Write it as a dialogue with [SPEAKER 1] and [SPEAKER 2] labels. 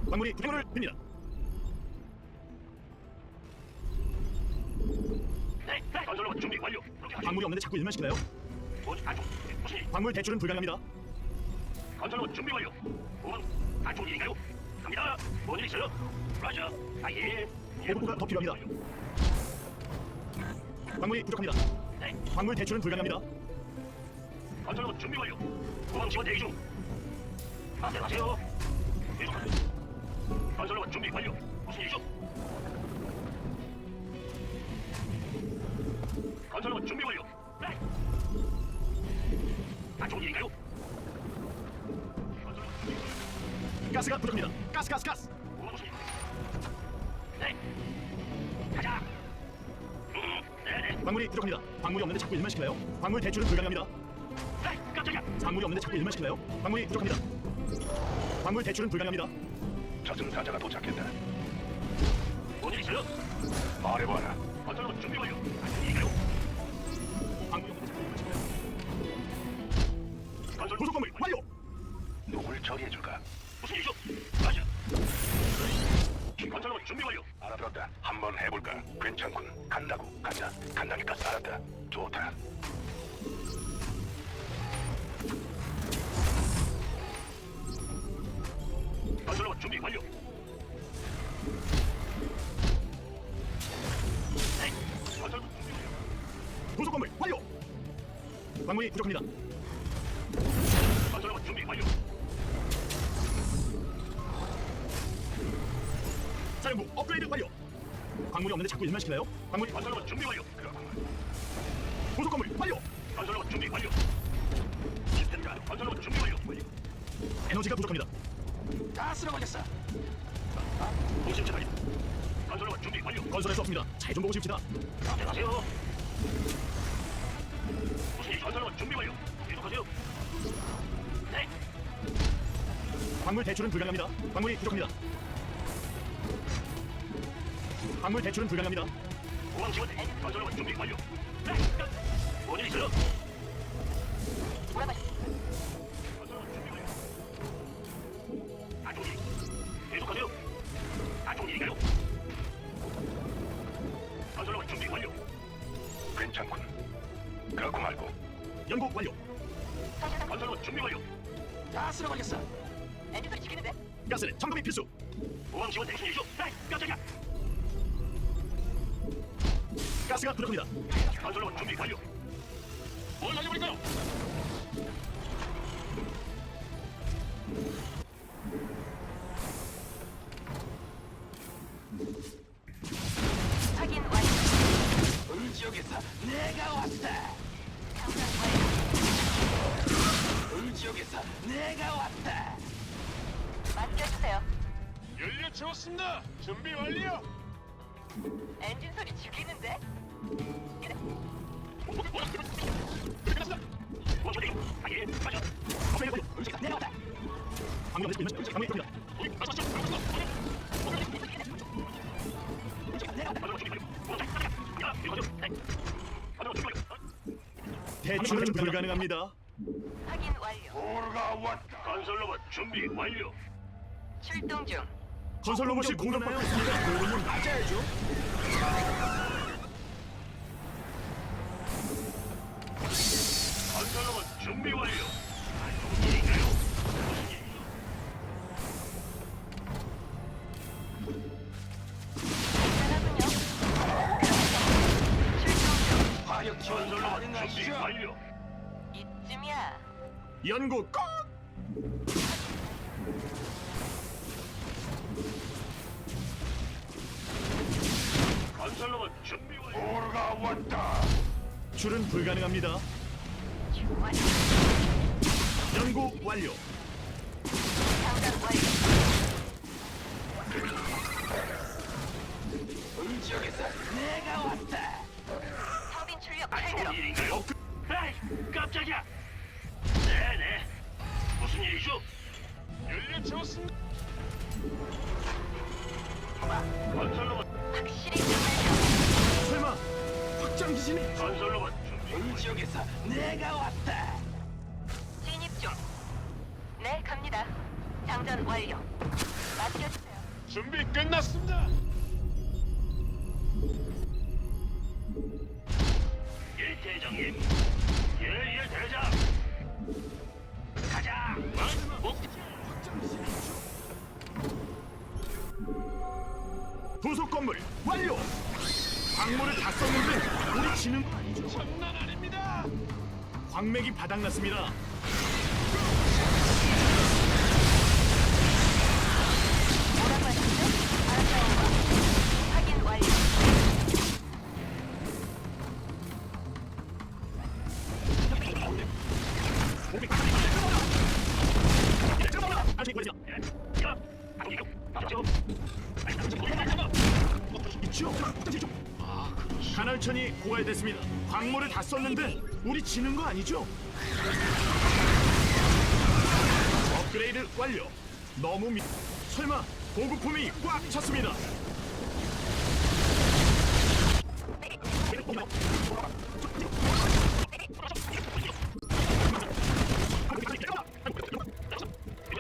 [SPEAKER 1] 광물이 부족을 빕니다.
[SPEAKER 2] 네, 건설로봇 준비 완료. 그렇게 하죠.
[SPEAKER 1] 광물이 없는데 자꾸 일만 시키나요?
[SPEAKER 2] 안쪽. 무슨 일?
[SPEAKER 1] 광물 대출은 불가능합니다.
[SPEAKER 2] 건설로봇 준비 완료. 후방 안쪽 일인가요? 갑니다. 뭔일 있어요? 라자. 아예.
[SPEAKER 1] 보급고가 더 필요합니다. 광물이 부족합니다.
[SPEAKER 2] 네,
[SPEAKER 1] 광물 대출은 불가능합니다.
[SPEAKER 2] 건설로봇 준비 완료. 후방 지원 대기 중. 안녕하세요. 계속하세요. 건설로봇 준비 완료. 무슨 일이죠? 건설로봇 준비 완료. 네. 안쪽 일인가요? 건설로봇 준비 완료.
[SPEAKER 1] 가스가 부족합니다. 가스.
[SPEAKER 2] 후방 무슨 일? 네. 가자. 네네.
[SPEAKER 1] 광물이 부족합니다. 광물이 없는데 자꾸 일만 시키나요? 광물 대출은 불가능합니다.
[SPEAKER 2] 네, 깜짝이야.
[SPEAKER 1] 광물이 없는데 자꾸 일만 시키나요? 광물이 부족합니다. 광물 대출은 불가능합니다.
[SPEAKER 2] 저승사자가 도착했다. 뭔일 있어요? 말해봐라. 건설로봇 준비 완료. 안쪽 일인가요?
[SPEAKER 1] 광물이 없는데 자꾸 일만 시키나요?
[SPEAKER 2] 건설
[SPEAKER 1] 부속 건물 완료.
[SPEAKER 2] 누굴 처리해줄까? 무슨 일이죠? 맞아. 건설로봇 준비 완료. 알아들었다. 한번 해볼까? 괜찮군. 간다고. 간다니까. 알았다. 좋다. 건설로봇 준비 완료. 네. 건설로봇 준비 완료.
[SPEAKER 1] 부속 건물 완료. 광물이 부족합니다.
[SPEAKER 2] 건설로봇 준비 완료.
[SPEAKER 1] 사령부 업그레이드 완료. 광물이 없는데 자꾸 일만 시키나요? 광물이
[SPEAKER 2] 건설로봇 준비 완료. 그렇구만.
[SPEAKER 1] 부속 건물 완료.
[SPEAKER 2] 건설로봇 준비 완료. 시스템가 건설로봇 준비 완료.
[SPEAKER 1] 에너지가 부족합니다.
[SPEAKER 2] 다 쓸어버렸어. 통신 차단. 건설로봇 준비 완료.
[SPEAKER 1] 건설할 수 없습니다. 잘 좀 보고 싶시다.
[SPEAKER 2] 안녕하세요. 무슨 일? 건설로봇 준비 완료. 계속하세요. 네.
[SPEAKER 1] 광물 대출은 불가능합니다. 광물이 부족합니다. 광물 대출은 불가능합니다.
[SPEAKER 2] 공항 지원. 건설로봇 준비 완료. 네. 뭔일 있어요? 건설로봇 준비 완료. 안쪽 일. 계속하세요. 안쪽 일인가요? 건설로봇 준비 완료. 괜찮군. 그렇고 말고.
[SPEAKER 1] 연구 완료.
[SPEAKER 2] 건설로봇 준비 완료. 다 쓸어버렸어. 엔진 소리 지키는데?
[SPEAKER 1] 가스는 점검이 필수.
[SPEAKER 2] 공항 지원 대신 일이죠? 네, 깜짝이야.
[SPEAKER 1] 가스가 부족합니다.
[SPEAKER 2] 건설로봇 준비 완료. 뭘 날려버릴까요?
[SPEAKER 3] 확인 완료.
[SPEAKER 2] 을지역에서 내가 왔다. 을지역에서 내가 왔다.
[SPEAKER 3] 맡겨주세요.
[SPEAKER 4] 연료 채웠습니다. 준비 완료.
[SPEAKER 3] 엔진 소리 죽이는데? 이래.
[SPEAKER 2] 원초대기. 아예 맞아.
[SPEAKER 1] 업그레이드 완료.
[SPEAKER 2] 을지역에서 내가 왔다.
[SPEAKER 1] 광물이 없는데 자꾸 일만 시키나요? 광물이 부족합니다.
[SPEAKER 2] 을지역에서 내가 왔다. 건설로봇 준비 완료. 공항 깜짝이야. 야, 이거 가죠. 네. 건설로봇 준비 완료.
[SPEAKER 1] 대출은 불가능합니다.
[SPEAKER 3] 확인 완료.
[SPEAKER 2] 오르가 왔다. 건설로봇 준비 완료.
[SPEAKER 3] 출동 중.
[SPEAKER 1] 건설 로봇이 공격받고 있습니다. 도움은 맞아야죠.
[SPEAKER 2] 건설로봇 준비 완료. 안쪽 일인가요? 무슨 일이죠?
[SPEAKER 3] 대단하군요. 출동 중.
[SPEAKER 2] 화력 지원 준비 완료.
[SPEAKER 3] 이쯤이야.
[SPEAKER 1] 연구 끝.
[SPEAKER 2] 건설로봇 준비 완료. 오르가 왔다.
[SPEAKER 1] 출은 불가능합니다.
[SPEAKER 3] 좋아.
[SPEAKER 1] 연구 완료.
[SPEAKER 3] 장전 완료.
[SPEAKER 2] 을지역에서 내가 왔다.
[SPEAKER 3] 터빈 출력
[SPEAKER 2] 안쪽
[SPEAKER 3] 최대로.
[SPEAKER 2] 일인가요? 에이, 깜짝이야. 네네. 무슨 일이죠?
[SPEAKER 4] 연료 채웠습니다.
[SPEAKER 2] 건설로봇
[SPEAKER 3] 확실히 끝내죠.
[SPEAKER 1] 설마 확장 기신이?
[SPEAKER 2] 건설로봇 준비. 을지역에서 내가 왔다.
[SPEAKER 3] 진입 중. 네, 갑니다. 장전 완료. 맡겨주세요.
[SPEAKER 4] 준비 끝났습니다.
[SPEAKER 2] 예, 대장님. 예, 대장. 가자.
[SPEAKER 1] 부속 건물 완료. 광물을 다 썼는데 우리 지는 거 아니죠?
[SPEAKER 4] 장난 아닙니다.
[SPEAKER 1] 광맥이 바닥났습니다.
[SPEAKER 3] 뭐라고 하셨죠? 알았어요. 확인 완료.
[SPEAKER 1] 아직 걸리죠? 있죠? 간헐천이 고갈됐습니다. 광물을 다 썼는데 우리 지는 거 아니죠? 업그레이드 완료. 너무 설마 보급품이 꽉 찼습니다.